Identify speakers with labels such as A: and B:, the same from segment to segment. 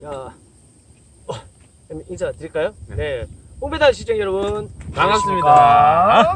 A: 자, 인사 드릴까요? 네. 뽕배달 시청 여러분
B: 반갑습니다.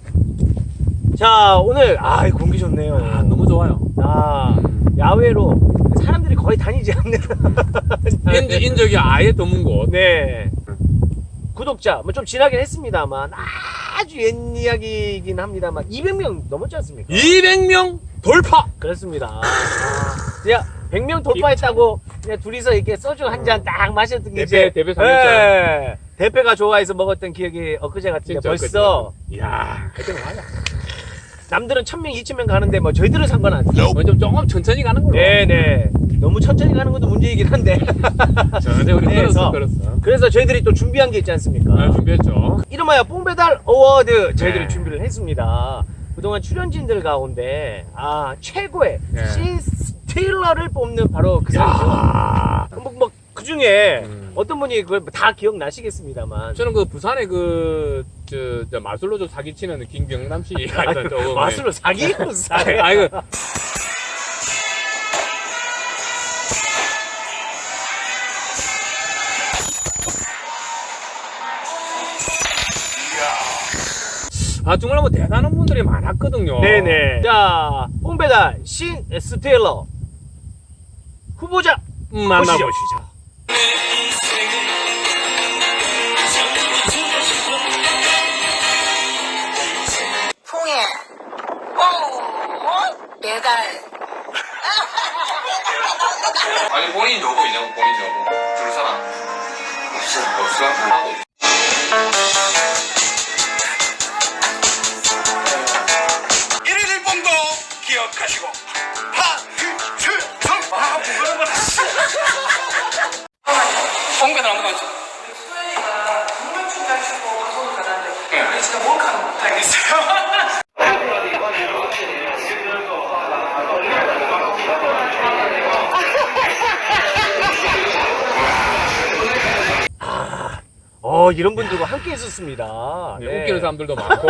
A: 자, 오늘 공기 좋네요.
B: 너무 좋아요.
A: 야외로 사람들이 거의 다니지 않는
B: 인적이 아예 드문 곳.
A: 네. 구독자 뭐 좀 지나긴 했습니다만 아주 옛 이야기이긴 합니다만 200명 넘었지 않습니까?
B: 200명 돌파.
A: 그렇습니다. 제가 100명 돌파했다고 그냥 둘이서 이렇게 소주 한 잔 딱 마셨던 게
B: 대패 삼겹살.
A: 네. 대패가 좋아해서 먹었던 기억이 엊그제 같은데 벌써
B: 이야, 그때 맞아.
A: 남들은 1000명, 2000명 가는데 뭐 저희들은 상관 안 돼요.
B: 좀 조금 천천히 가는 걸로.
A: 네네. 너무 천천히 가는 것도 문제이긴 한데.
B: 전에 우리 끌었어.
A: 그래서 저희들이 또 준비한 게 있지 않습니까?
B: 네, 준비했죠.
A: 이름하여 뽕배달 어워드 저희들이
B: 네.
A: 준비를 했습니다. 그동안 출연진들 가운데 최고의
B: 네.
A: 신 스틸러를 뽑는 바로 그 사람이죠. 그 중에 어떤 분이 그걸 다 기억나시겠습니다만
B: 저는 그 부산에 저 마술로 좀 사기치는 김경남 씨.
A: 마술로 사기꾼 사기.
B: 아이고. 정말 뭐 대단한 분들이 많았거든요.
A: 네네. 자, 뽕배달 신 스틸러 후보자
B: 만나보시죠.
C: 풍에 배달.
D: 아니 본인 여부 있냐고 본인 여부 줄 사람 없어 하나도 없어. 1일 1봉도 기억하시고 봉배는 안 가지.
C: 수현이가 분명 춤잘 추고 방송을 잘하는데 진짜 몰카는 못하겠어요.
A: 이런 분들과 함께 했었습니다.
B: 네, 웃기는 사람들도 많고.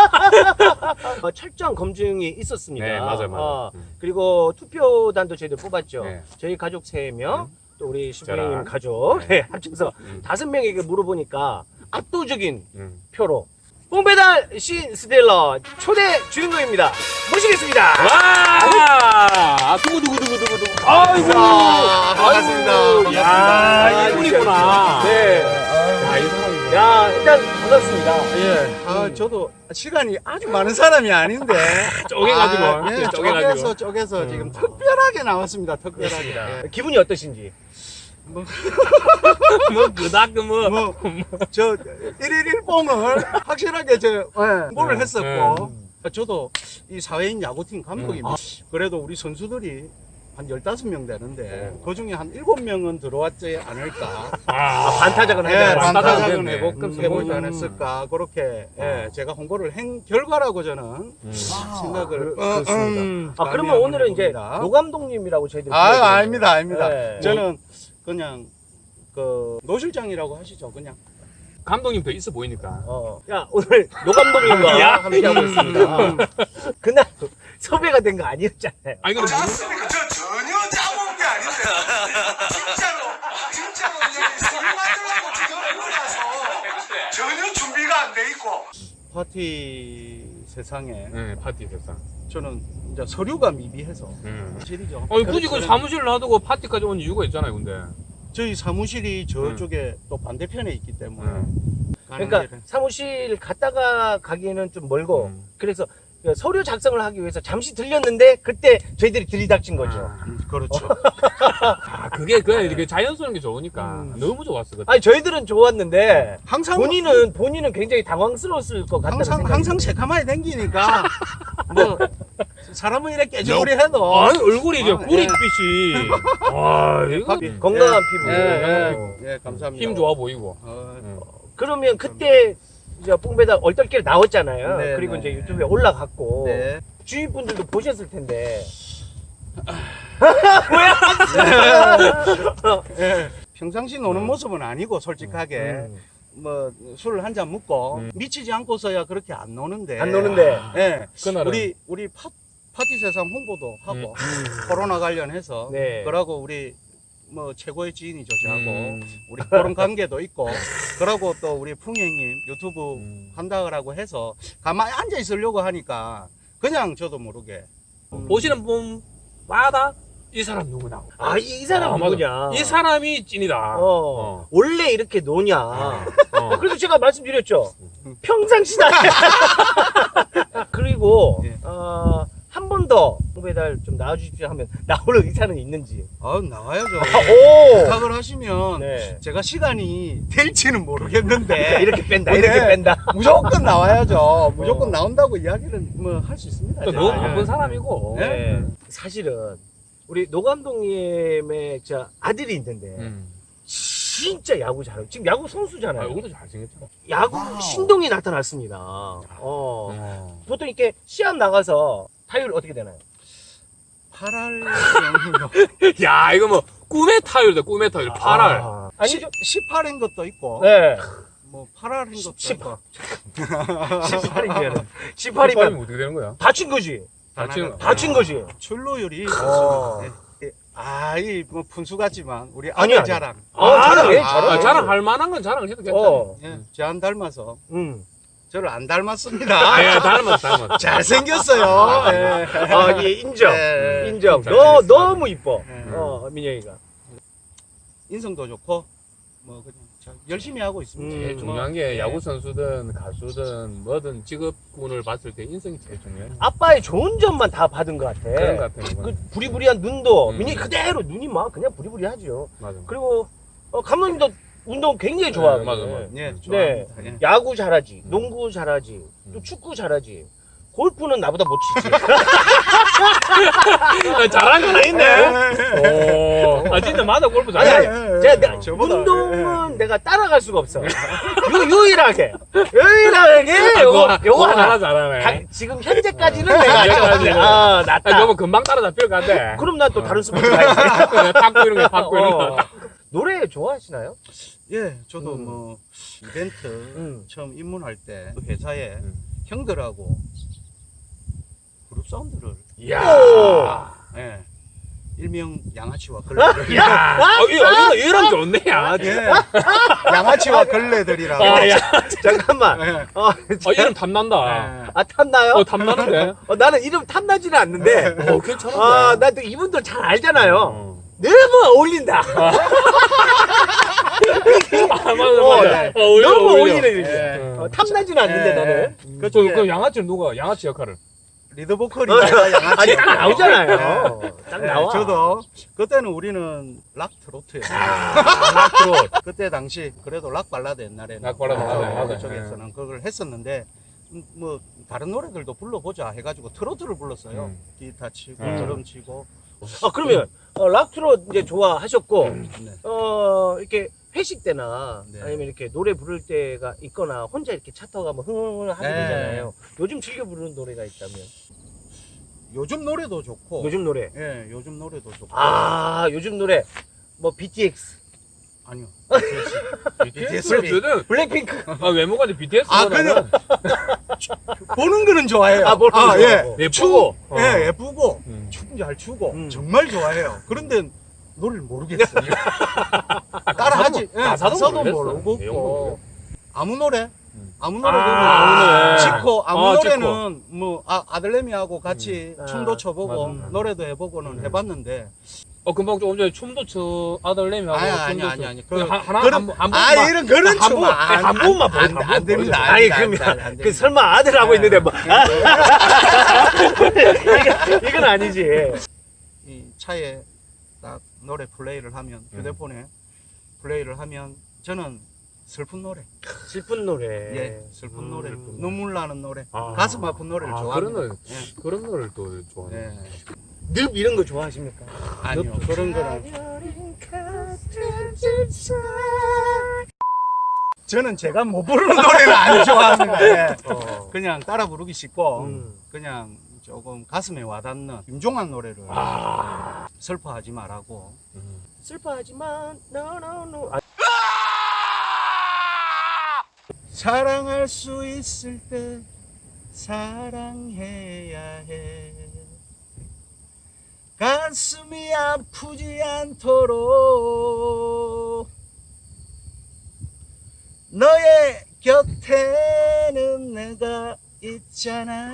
A: 철저한 검증이 있었습니다.
B: 네, 맞아요.
A: 그리고 투표단도 저희들 뽑았죠.
B: 네.
A: 저희 가족 3명, 또 우리 신부님
B: 저랑.
A: 가족 합쳐서 5명에게 물어보니까 압도적인 표로 뽕배달 신 스텔러 초대 주인공입니다. 모시겠습니다.
B: 와! 두구두구두구두구. 아이고!
A: 반갑습니다.
B: 야, 이분이구나.
A: 네.
B: 야, 이 사람이구나.
A: 야, 일단 반갑습니다.
E: 예. 저도 시간이 아주 많은 사람이 아닌데.
B: 쪼개가지고. 쪼개가지고.
E: 쪼개서 지금 특별하게 나왔습니다. 특별하게. 예.
A: 기분이 어떠신지?
B: 뭐, 그닥,
E: 저 1일 1봉을 확실하게 홍보를 했었고. 저도 이 사회인 야구팀 감독입니다. 그래도 우리 선수들이 한 15명 되는데 그 중에 한 7명은 들어왔지 않을까.
A: 반타작은
E: 예,
A: 하지 않았을까?
E: 반타작은
B: 됐네.
E: 해보지 않았을까. 그렇게 제가 홍보를 한 결과라고 저는 생각을
A: 그렇습니다. 그러면 오늘은 이제 노 감독님이라고 저희들이
E: 아닙니다.
A: 네.
E: 저는 그냥 노 실장이라고 하시죠. 그냥.
B: 감독님 더 있어 보이니까.
A: 야, 오늘 노 감독님과 함께하고 있습니다. 그날 섭외가 된 거 아니었잖아요.
B: 아니, 근데
D: 짰습니까? 저 전혀 짜본 게 아닌데 진짜로 여기 술 마시려고 지금 일어나서 전혀 준비가 안 돼 있고
E: 파티 세상에
B: 네, 파티 세상.
E: 저는 이제 서류가 미비해서 실이죠.
B: 아니, 굳이 그 사무실을 놔두고 파티까지 온 이유가 있잖아요, 근데.
E: 저희 사무실이 저쪽에 또 반대편에 있기 때문에 가는
A: 그러니까
E: 길은.
A: 사무실 갔다가 가기에는 좀 멀고 그래서 서류 작성을 하기 위해서 잠시 들렸는데 그때 저희들이 들이닥친 거죠.
E: 그렇죠.
B: 그게 이렇게 자연스러운 게 좋으니까 너무 좋았어. 그때.
A: 아니 저희들은 좋았는데
E: 항상
A: 본인은 굉장히 당황스러웠을 것 같다는 생각이
E: 항상 새카마에 댕기니까 뭐 사람은 이렇게 깨지고리 해도
B: 아니, 얼굴이 이제
E: 예.
B: 구릿빛이. 와, 이거
A: 건강한 피부.
E: 예, 감사합니다.
B: 힘 좋아 보이고.
A: 그러면 그때 이제 뽕배달 얼떨결에 나왔잖아요.
E: 네,
A: 그리고
E: 네.
A: 이제 유튜브에 올라갔고
E: 네.
A: 주위 분들도 보셨을 텐데.
E: 예. 평상시 노는 모습은 아니고 솔직하게 뭐 술을 한 잔 먹고 미치지 않고서야 그렇게 안 노는데.
A: 안 노는데.
E: 예.
B: 그날은.
E: 우리 파티 세상 홍보도 하고 코로나 관련해서
A: 네.
E: 그러고 우리 뭐 최고의 지인이죠 저하고 우리 그런 관계도 있고 그러고 또 우리 풍이 형님 유튜브 한다고 해서 가만히 앉아 있으려고 하니까 그냥 저도 모르게
B: 보시는 분마다 이 사람 누구냐.
A: 아, 이 사람
B: 맞아.
A: 누구냐.
B: 이 사람이 찐이다.
A: 원래 이렇게 노냐.
B: 어.
A: 그래서 제가 말씀드렸죠. 평상시다. 그리고,
E: 예.
A: 한 번 더 배달 좀 나와주십시오 하면 나올 의사는 있는지.
E: 아 나와야죠.
A: 오!
E: 부탁을 하시면
A: 네.
E: 제가 시간이 될지는 모르겠는데
A: 이렇게 뺀다,
E: 네.
A: 이렇게 뺀다.
E: 무조건 나와야죠. 무조건 나온다고 이야기는 뭐 할 수 있습니다.
B: 또 너무
E: 제가.
B: 바쁜 사람이고.
A: 네. 사실은, 우리 노 감독님의 아들이 있는데, 진짜 야구 잘하고, 지금 야구
B: 아,
A: 선수잖아요.
B: 이것도 잘생겼잖아.
A: 야구 신동이 나타났습니다. 보통 이렇게 시합 나가서 타율 어떻게 되나요?
E: 8할
B: 야, 이거 뭐, 꿈의 타율이다, 꿈의 타율. 8할.
A: 아니죠?
E: 18인 것도 있고
A: 네.
E: 뭐 8할인 것도
A: 10.
E: 있고
A: 18이면. 18이면
B: 18이면 어떻게 되는 거야?
A: 다친 거지. 다친 거지.
E: 출루율이
A: 어.
E: 뭐 분수 같지만 우리
A: 아니요,
E: 아들 자랑
A: 잘해,
B: 아,
A: 잘해.
B: 자랑할 만한 건 자랑을 해도 괜찮아.
E: 예, 제안 닮아서
A: 음.
E: 저를 안 닮았습니다.
B: 아, 닮았어.
E: 잘생겼어요. 예.
A: 예, 인정.
E: 예.
A: 인정.
B: 잘생겼어.
A: 너무 이뻐.
E: 예.
A: 민영이가.
E: 인성도 좋고 뭐 그냥 열심히 하고 있습니다.
B: 제일
A: 음.
B: 중요한 게
E: 예.
B: 야구 선수든 가수든 뭐든 직업군을 봤을 때 인성이 제일 중요해.
A: 아빠의 좋은 점만 다 받은 것 같아.
B: 그런 것 같아.
A: 그 부리부리한 눈도
B: 음.
A: 민영이 그대로 눈이 막 그냥 부리부리하죠.
B: 맞아.
A: 그리고 감독님도 운동 굉장히 좋아하고.
B: 맞아.
E: 예,
A: 네.
E: 좋아합니다. 예.
A: 야구 잘하지, 농구 잘하지, 또 축구 잘하지. 골프는 나보다 못 치지.
B: 잘한 건 있네. 오. 아, 진짜 맞아. 골프
A: 아니,
B: 잘해.
A: 아니, 제가
E: 저보다,
A: 운동은 내가 따라갈 수가 없어. 유일하게 요거 하나.
B: 하나 잘하네.
A: 지금 현재까지는 내가
B: 현재까지는.
A: 낫다.
B: 아, 너무 금방 따라잡힐 것 같아.
A: 그럼 난 또 다른 스포츠 가야지.
B: 탁구 이런 거, 탁구 이런 거.
A: 노래 좋아하시나요?
E: 예, 저도
A: 음.
E: 뭐 이벤트 처음 입문할 때 회사에 형들하고 그룹 사운드를
B: 이야.
E: 예, 일명 양아치와 걸레들
A: 야!
B: 이런 좋네, 야.
E: 예, 양아치와 걸레들이라고
B: 아, 야.
A: 잠깐만.
E: 예,
B: 이름 탐난다.
E: 예.
A: 탐나요?
B: 탐나는데?
A: 나는 이름 탐나지는 않는데.
B: 괜찮은데?
A: 나 또 이분들 잘 알잖아요.
B: 어.
A: 너무 어울린다.
B: 아, 맞아.
A: 너무 어울리는 이름이야.
E: 예.
A: 탐나지는 않는데,
E: 예.
A: 나는.
B: 그 양아치는 누가? 양아치 역할을?
E: 리더 보컬이 제가 양아치
A: 아니, 딱 나오잖아요. 딱 나와.
E: 저도 그때는 우리는 락 트로트예요.
B: 락트롯.
E: 그때 당시 그래도 락 발라드 옛날에는
B: 락 발라드, 맞아요.
E: 그쪽에서는 그걸 했었는데 뭐 다른 노래들도 불러보자 해가지고 트로트를 불렀어요. 기타 치고 드럼 치고.
A: 그러면, 락트로 이제 좋아하셨고,
E: 네.
A: 이렇게 회식 때나
E: 네.
A: 아니면 이렇게 노래 부를 때가 있거나 혼자 이렇게 차 타고 가면 흥흥 하게
E: 네.
A: 되잖아요. 요즘 즐겨 부르는 노래가 있다면?
E: 요즘 노래도 좋고.
A: 요즘 노래.
E: 예, 요즘 노래도 좋고.
A: 요즘 노래. 뭐, BTX.
E: 아니요.
B: BTS.
A: 블랙핑크.
B: 외모가 이제 BTS.
E: 그냥 보는 거는 좋아해요.
A: 보는 거
E: 예.
A: 좋아하고.
B: 예쁘고.
E: 예, 예쁘고
B: 음.
E: 춤 잘 추고
A: 음.
E: 정말 좋아해요. 그런데 노래를 모르겠어요. 따라하지. 예,
B: 가사도 모르겠어.
E: 모르고
B: 내용도
E: 아무 노래. 아무 노래
B: 아무 노래.
E: 찍고 아무
B: 아,
E: 노래는 뭐 아들내미하고 같이 춤도 춰보고
B: 맞아.
E: 노래도 해보고는 해봤는데
B: 금방 조금 전에 춤도 춰 아들내미하고
E: 아니.
B: 하나
E: 그런
B: 한
E: 이런 그런 춤
B: 한 번만 보여줘.
E: 안 됩니다.
A: 아니, 그러면, 설마 아들 하고 있는데 뭐. 이건 아니지.
E: 이 차에 딱 노래 플레이를 하면 휴대폰에 플레이를 하면 저는 슬픈 노래,
A: 슬픈 노래.
E: 예, 슬픈 노래,
B: 슬픈 노래.
E: 눈물 나는 노래,
A: 아.
E: 가슴 아픈 노래를 좋아합니다.
B: 그런 노래를 또 좋아해.
E: 예.
A: 늪 이런 거 좋아하십니까?
E: 아니요, 그런 거는 저는 제가 못 부르는 노래는 안 좋아합니다. 예. 그냥 따라 부르기 쉽고 그냥 조금 가슴에 와닿는 김종환 노래를 슬퍼하지 말라고.
A: 슬퍼하지만, no.
E: 사랑할 수 있을 때 사랑해야 해. 가슴이 아프지 않도록 너의 곁에는 내가 있잖아.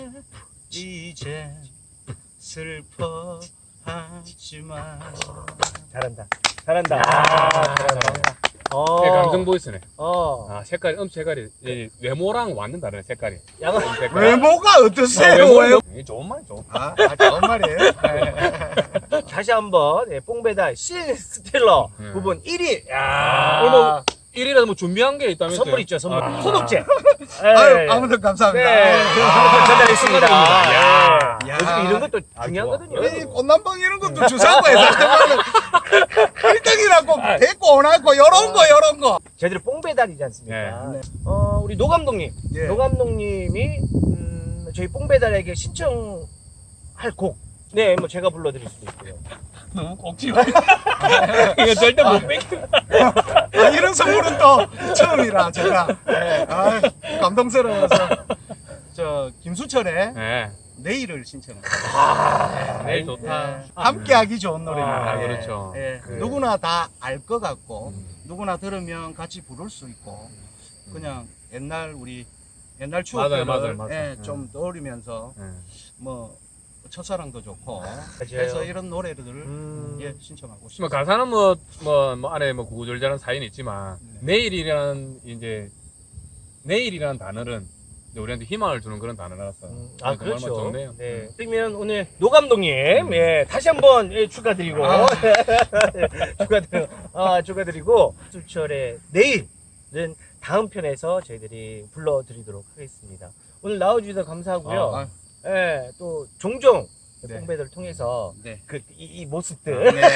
E: 이제 슬퍼하지 마.
A: 잘한다. 잘한다.
B: 잘한다. 감성 보이스네. 아, 색깔이, 색깔이, 이 외모랑 완전 다르네, 색깔이.
A: 양은
B: 색깔이.
E: 외모가 어떠세요?
B: 외모는 이게 좋은 말이 좋은 말.
E: 좋은 말이에요.
A: 다시 한번 뽕배달 신 스틸러 부분 1위. 야,
B: 오늘 뭐, 1위라도 뭐 준비한 게 있다면서요?
A: 선물 있죠, 선물.
B: 아.
A: 소독제.
E: 아유, 아무튼 감사합니다.
A: 네, 전달했습니다.
B: 야.
A: 네. 요즘 이런 것도 중요하거든요.
E: 이 꽃남방 이런 것도 주사고에서 1등이라고 데리고 오나고 요런 거.
A: 저희들 뽕배달이지 않습니까?
B: 네.
A: 우리 노 감독님.
E: 예.
A: 노 감독님이 저희 뽕배달에게 신청할 곡. 네, 뭐 제가 불러드릴 수도 있고요.
E: 너무 꼭지요.
B: 이거 절대 못 뺏겨.
E: 이런 선물은 또 처음이라 제가 감동스러워서 저 김수철의
B: 네.
E: 내일을 신청합니다.
B: 내일 좋다.
E: 함께하기 좋은 노래입니다.
B: 아,
E: 예.
B: 그렇죠.
E: 예.
B: 그-
E: 누구나 다 알 것 같고 누구나 들으면 같이 부를 수 있고 그냥 옛날 추억들을
B: 맞아요.
E: 예, 좀 떠올리면서
B: 네.
E: 뭐 첫사랑도 좋고
A: 맞아요.
E: 그래서 이런 노래들을 예, 신청하고
B: 뭐
E: 싶습니다.
B: 가사는 뭐 안에 뭐 구구절절한 사연이 있지만 내일이라는 단어는 이제 우리한테 희망을 주는 그런 단어라서
A: 아,
B: 정말
A: 그렇죠.
B: 좋네요.
A: 네. 그러면 오늘 노 감독님, 예, 다시 한번 축하드리고, 축하드리고, 수철의 내일은 다음 편에서 저희들이 불러드리도록 하겠습니다. 오늘 나와주셔서 감사하고요. 예, 또 종종
E: 네.
A: 뽕배들을 통해서
E: 네.
A: 이 모습들
E: 네.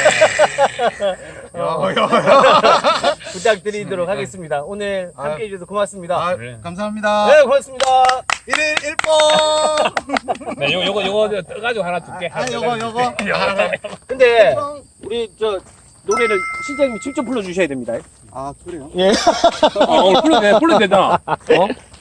A: 부탁드리도록 하겠습니다. 오늘 함께 해주셔서 고맙습니다.
B: 그래.
E: 감사합니다.
A: 네, 고맙습니다.
E: 1일 1번.
B: 네, 요거 떠가지고 하나 줄게.
E: 요거.
A: 근데 우리 저 노래를 실장님이 직접 불러주셔야 됩니다.
E: 아, 그래요?
B: 오늘 풀로 되잖아.